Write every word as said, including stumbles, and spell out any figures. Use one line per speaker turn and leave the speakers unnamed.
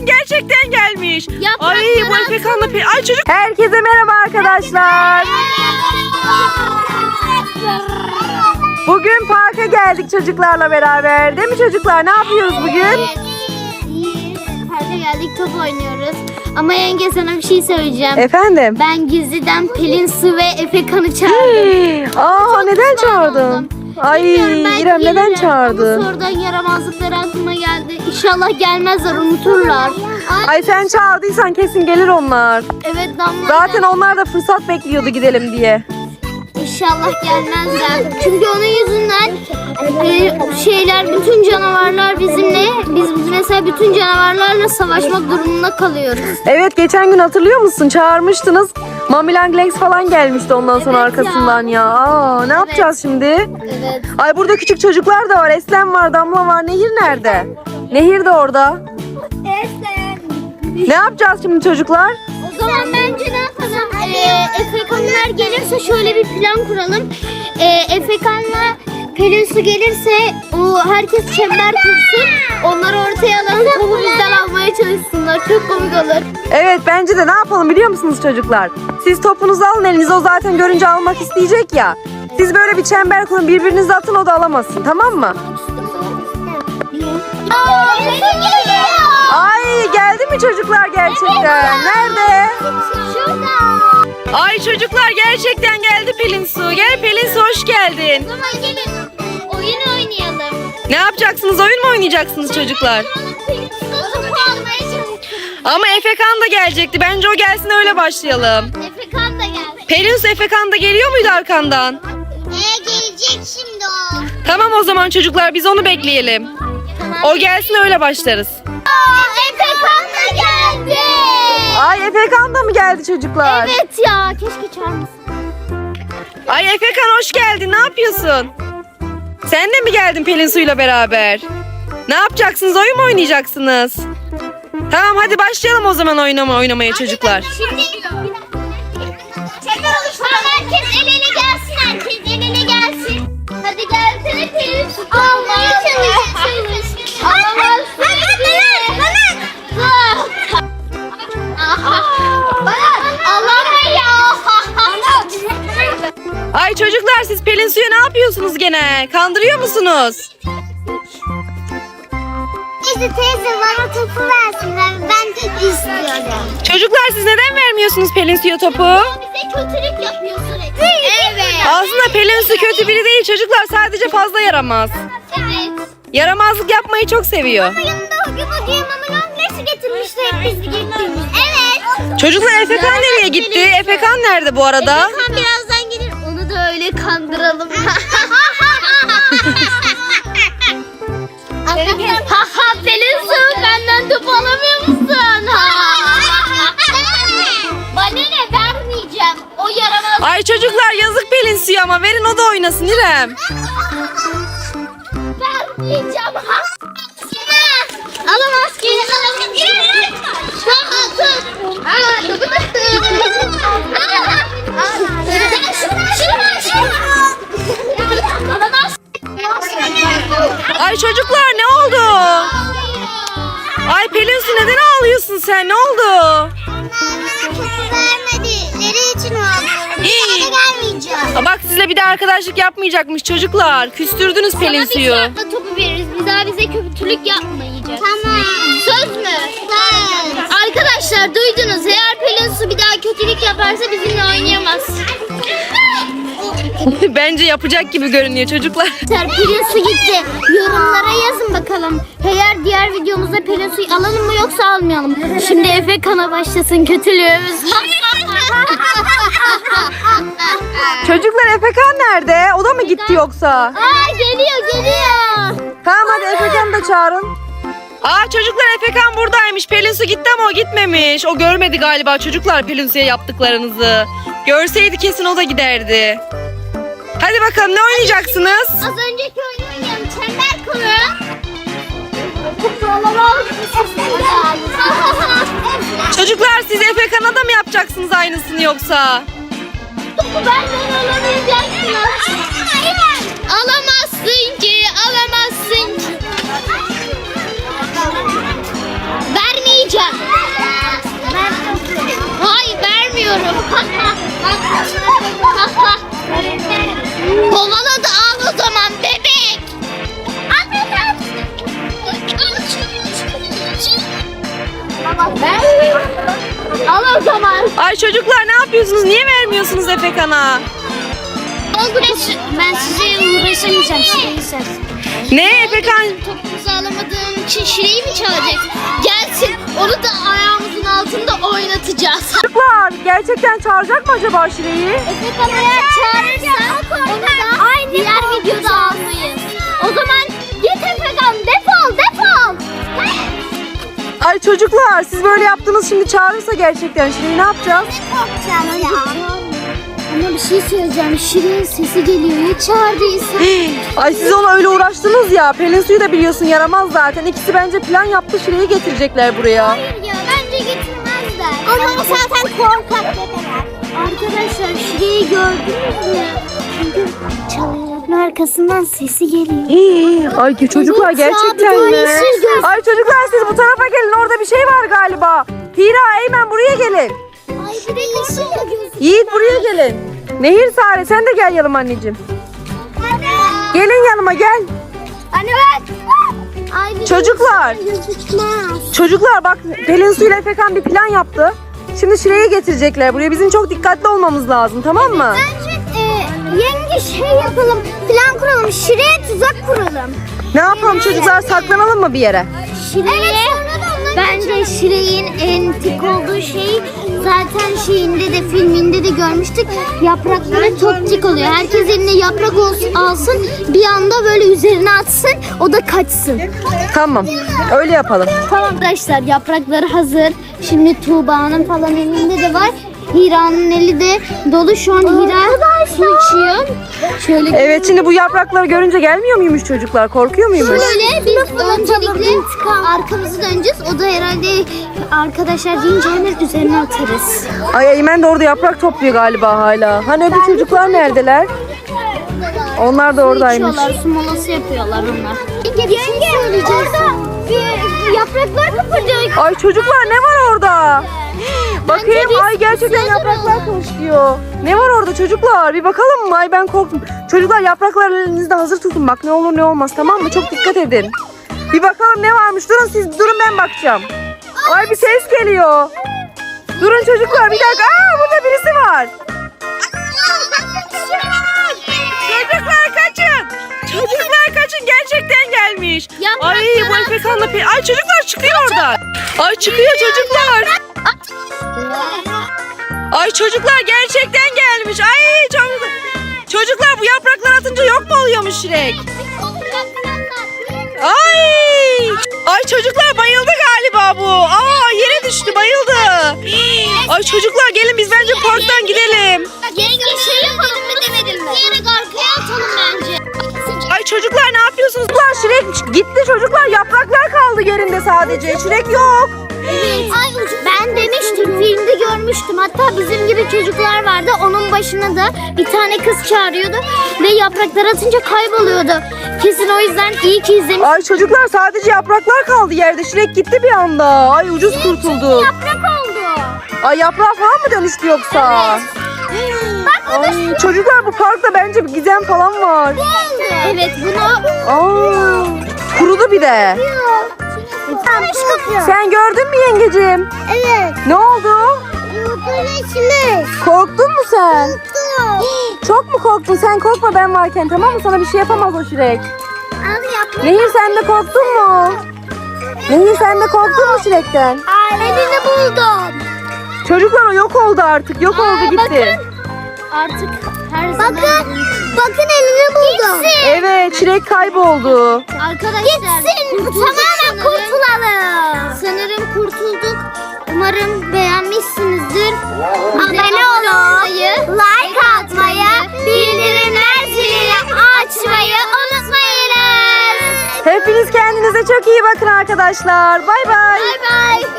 Efekan gerçekten gelmiş.
Yaprakları
Ay bu Efekan'la pe... Ay çocuk. Herkese merhaba arkadaşlar. Bugün parka geldik çocuklarla beraber. Değil mi çocuklar? Ne yapıyoruz bugün?
Evet. Parka geldik, top oynuyoruz. Ama yenge sana bir şey söyleyeceğim.
Efendim?
Ben gizliden Pelin Su ve Efekan'ı çağırdım.
Aa neden çağırdın?
oldum.
Ay
Bilmiyorum, belki
İrem neden
gelirler.
çağırdın?
Ama sonradan yaramazlıkları aklıma geldi. İnşallah gelmezler, unuturlar.
Ay sen çağırdıysan kesin gelir onlar.
Evet Damla.
Zaten onlar da fırsat bekliyordu gidelim diye.
İnşallah gelmezler. Çünkü onun yüzünden e, şeyler, bütün canavarlar bizimle, biz mesela bütün canavarlarla savaşmak durumunda kalıyoruz.
Evet geçen gün hatırlıyor musun? Çağırmıştınız. Mamilang Lex falan gelmişti ondan sonra
Evet
arkasından ya.
ya.
Aa, ne yapacağız şimdi?
Evet.
Ay burada küçük çocuklar da var. Eslem var, Damla var. Nehir nerede? Nehir de orada. Ne yapacağız şimdi çocuklar?
O zaman bence ne yapalım? Ee, Efekanlar gelirse şöyle bir plan kuralım. Ee, Efekan'la Pelin Su gelirse o herkes çember kursun. Onları ortaya alalım. Topu bizden almaya çalışsınlar. Çok komik olur.
Evet bence de ne yapalım biliyor musunuz çocuklar? Siz topunuzu alın elinize, o zaten görünce almak isteyecek ya. Siz böyle bir çember kurun, birbirinize atın, o da alamazsın, tamam mı?
Aa, geliyor.
Ay geldi mi çocuklar gerçekten? Nerede?
Şurada.
Ay çocuklar gerçekten geldi Pelin Su. Gel Pelin Su, hoş geldin.
O zaman gelin oyun oynayalım.
Ne yapacaksınız? Oyun mu oynayacaksınız çocuklar?
Pelin Su topu almaya çalışıyor.
Ama Efekan da gelecekti. Bence o gelsin öyle başlayalım.
Efekan da geldi.
Pelin Su, Efekan da geliyor muydu arkandan?
Ee, gelecek şimdi o.
Tamam o zaman çocuklar biz onu bekleyelim.
Tamam.
O gelsin öyle başlarız.
Aa, Efekan da geldi.
Ay Efekan da mı geldi çocuklar?
Evet ya, keşke çağırmasın.
Ay Efekan hoş geldin. Ne yapıyorsun? Sen de mi geldin Pelin Su'yla beraber? Ne yapacaksınız? Oyun mu oynayacaksınız? Tamam hadi başlayalım o zaman oynama oynamaya çocuklar.
Şimdi çember oluşturalım. Herkes el ele gelsin, herkes el ele gelsin. Hadi gelsene Pelin Su. Almaya çalış, çalış. Alamazsın.
Ay çocuklar siz Pelin Su'ya ne yapıyorsunuz gene? Kandırıyor musunuz?
İşte teyze bana topu versin. Ben, ben istiyorum.
Çocuklar siz neden vermiyorsunuz Pelin Su'ya topu?
Bize kötülük yapıyor sürekli. Evet.
Aslında Pelin Su kötü biri değil çocuklar, sadece fazla yaramaz.
Evet.
Yaramazlık yapmayı çok seviyor.
Ama yanında o gün o diye mamadan nesi getirmişler biz gittiğimiz. Evet.
Çocuklar Efekan nereye gitti? Efekan nerede bu arada?
Efekan birazdan gelir. Onu da öyle kandıralım. Ha ha Pelin Su, benden top alamıyor musun? Bana ne, vermeyeceğim. O yaramaz.
Ay çocuklar yazık Pelin Su'ya ama verin o da oynasın İrem.
Vermeyeceğim. Alamaz ki. Alamaz ki. Tamam tut. Aa, topu da tut. Şunu şunu. Alamaz.
Ay çocuklar ne oldu? Ay Pelin Su neden ağlıyorsun sen? Ne oldu?
Vermedileri için ağlıyorum. Bir daha da gelmeyeceğim.
Aa, bak sizle bir de arkadaşlık yapmayacakmış çocuklar. Küstürdünüz Pelin
Sana bir
Su'yu.
şartla topu veririz. Bir daha bize kötülük yapmayacak. Tamam. Söz mü? Söz. Arkadaşlar duydunuz. Eğer Pelin Su bir daha kötülük yaparsa bizimle oynayamaz.
Bence yapacak gibi görünüyor çocuklar.
Pelin Su gitti. Yorumlara yazın bakalım. Eğer diğer videomuzda Pelin Su'yu alalım mı yoksa almayalım. Şimdi Efekan'a başlasın kötülüğümüz.
Çocuklar Efekan nerede? O da mı gitti yoksa?
Aa geliyor geliyor.
Tamam hadi Efekan'ı da çağırın. Aa çocuklar Efekan buradaymış. Pelin Su gitti ama o gitmemiş. O görmedi galiba çocuklar Pelin Su'ya yaptıklarınızı. Görseydi kesin o da giderdi. Hadi bakalım ne oynayacaksınız?
Az önceki oyunu oynayalım. Çember kuru. Topu alamaz.
Çocuklar siz Efekan'a da mı yapacaksınız aynısını yoksa?
Topu benden alamayacaksınız. Alamazsın ki, alamazsın ki. Vermeyeceğim.
Ay çocuklar ne yapıyorsunuz? Niye vermiyorsunuz Efekan'a?
Oldu ben size uğraşamayacağım. Şireyi sen.
Ne Efekan?
Topumuzu alamadığım için Şireyi mi çalacak? Gelsin onu da ayağımızın altında oynatacağız.
Çocuklar gerçekten çağıracak mı acaba Şire'yi?
Efekan eğer çağırırsa onu da aynı diğer videoda almayız. O zaman git Efekan defol defol.
Ay çocuklar siz böyle yaptınız, şimdi çağırırsa gerçekten Şire'yi ne yapacağız?
Korkacağım ya. Ama bir şey söyleyeceğim. Şirin sesi geliyor. Ya çağırdıysa?
Ay siz ona öyle uğraştınız ya. Pelin Su'yu da biliyorsun yaramaz zaten. İkisi bence plan yaptı, Şire'yi getirecekler buraya.
Hayır ya bence getirmezler. Ama zaten korkak bebeler. Arkadaşlar Şire'yi gördünüz mü? Çünkü çalıların arkasından sesi geliyor.
Hii, Ay ki çocuklar
Evet ya,
gerçekten
bir
mi?
tanesi göz-
Ay çocuklar siz bu tarafa gelin, orada bir şey var galiba. Hira, Eymen buraya gelin.
Ay bir de yeşil de gözüküyor.
Yiğit buraya gelin. Nehir, Sare sen de gel yanıma anneciğim.
Anne.
Gelin yanıma gel.
Anne bak. Ay, bir de
Çocuklar.
yeşil gözükmez.
Çocuklar bak, Pelin Su ile Efekan bir plan yaptı. Şimdi Şire'yi getirecekler buraya. Bizim çok dikkatli olmamız lazım, tamam mı?
Bence e, yenge şey yapalım. Plan kuralım. Şire'ye tuzak kuralım.
Ne yapalım çocuklar, saklanalım mı bir yere?
Şire'ye bence Şire'nin en tik olduğu şey zaten şeyinde de filminde de görmüştük. Yaprakları çok tik oluyor. Herkes eline yaprak olsun, alsın bir anda böyle üzerine atsın o da kaçsın.
Tamam, öyle yapalım.
Tamam arkadaşlar yaprakları hazır. Şimdi Tuğba'nın falan elinde de var. Hira'nın eli de dolu. Şu an Hira su içiyor. Şöyle
Evet, şimdi bu yaprakları görünce gelmiyor muymuş çocuklar? Korkuyor muymuş?
Şöyle biz öncelikle arkamızı döneceğiz. O da herhalde arkadaşlar deyince hemen üzerine atarız.
Ay Eymen de orada yaprak topluyor galiba hala. Hani öbür çocuklar neredeler? Onlar da oradaymış.
İçiyorlar, su molası yapıyorlar onlar. Yenge bir şey söyleyeceğiz. Bir yapraklar kıpırdıyor.
Ay çocuklar ne var orada? Bakayım,
biz
ay gerçekten
suya
yapraklar
duralım.
koşuyor. Ne var orada çocuklar? Bir bakalım mı? Ay ben korktum. Çocuklar yaprakları elinizde hazır tutun. Bak ne olur ne olmaz, tamam mı? Çok dikkat edin. Bir bakalım ne varmış. Durun siz, durun ben bakacağım. Ay bir ses geliyor. Durun çocuklar bir dakika. Aa burada birisi var. Çocuklar kaçın. Çocuklar kaçın, gerçekten gelmiş. Ay bu Efekan'la Pelin. Ay çocuklar çıkıyor oradan. Ay çıkıyor çocuklar. Ay çocuklar gerçekten gelmiş. Ay çok... Çocuklar bu yapraklar atınca yok mu oluyormuş Şirek? Ay! Ay çocuklar bayıldı galiba bu. Aa yere düştü, bayıldı. Ay çocuklar gelin biz bence parktan gidelim.
Yenge şey yapalım mı demedim mi? Diyerek arkaya atalım bence.
Ay çocuklar ne yapıyorsunuz? Çocuklar Şirek gitti, çocuklar yapraklar kaldı yerinde sadece. Şirek yok.
Evet. Ay, ben demiştim filmde görmüştüm. Hatta bizim gibi çocuklar vardı. Onun başına da bir tane kız çağırıyordu. Ve yapraklar atınca kayboluyordu. Kesin o yüzden iyi ki izlemiş.
Ay çocuklar sadece yapraklar kaldı yerde. Şirek gitti bir anda. Ay ucuz kurtuldu.
Yaprak oldu.
Ay yaprağa falan mı dönüştü yoksa? Ay çocuklar bu parkta bence bir gizem falan var.
Evet bunu...
Aa, kurudu bir de. Sen gördün mü yengecim?
Evet.
Ne oldu?
Yumurtanın içinde.
Korktun mu sen? Çok mu korktun? Sen korkma ben varken, tamam mı? Sana bir şey yapamaz o Şirek.
Abi yaprak.
Nehir sen de korktun mu? Nehir sen de korktun mu Şirek'ten?
Elini buldum.
Çocuklar o yok oldu artık. Yok oldu gitti.
Artık her zaman... Bakın. Bakın elini buldum. Gitsin.
Evet Şirek kayboldu.
Arkadaşlar gitsin. Tamamen kurtulalım. Sanırım kurtulduk. Umarım beğenmişsinizdir. Abone olmayı, like atmayı, bildirimler zilini açmayı unutmayınız.
Hepiniz kendinize çok iyi bakın arkadaşlar. Bay bay.
Bay bay.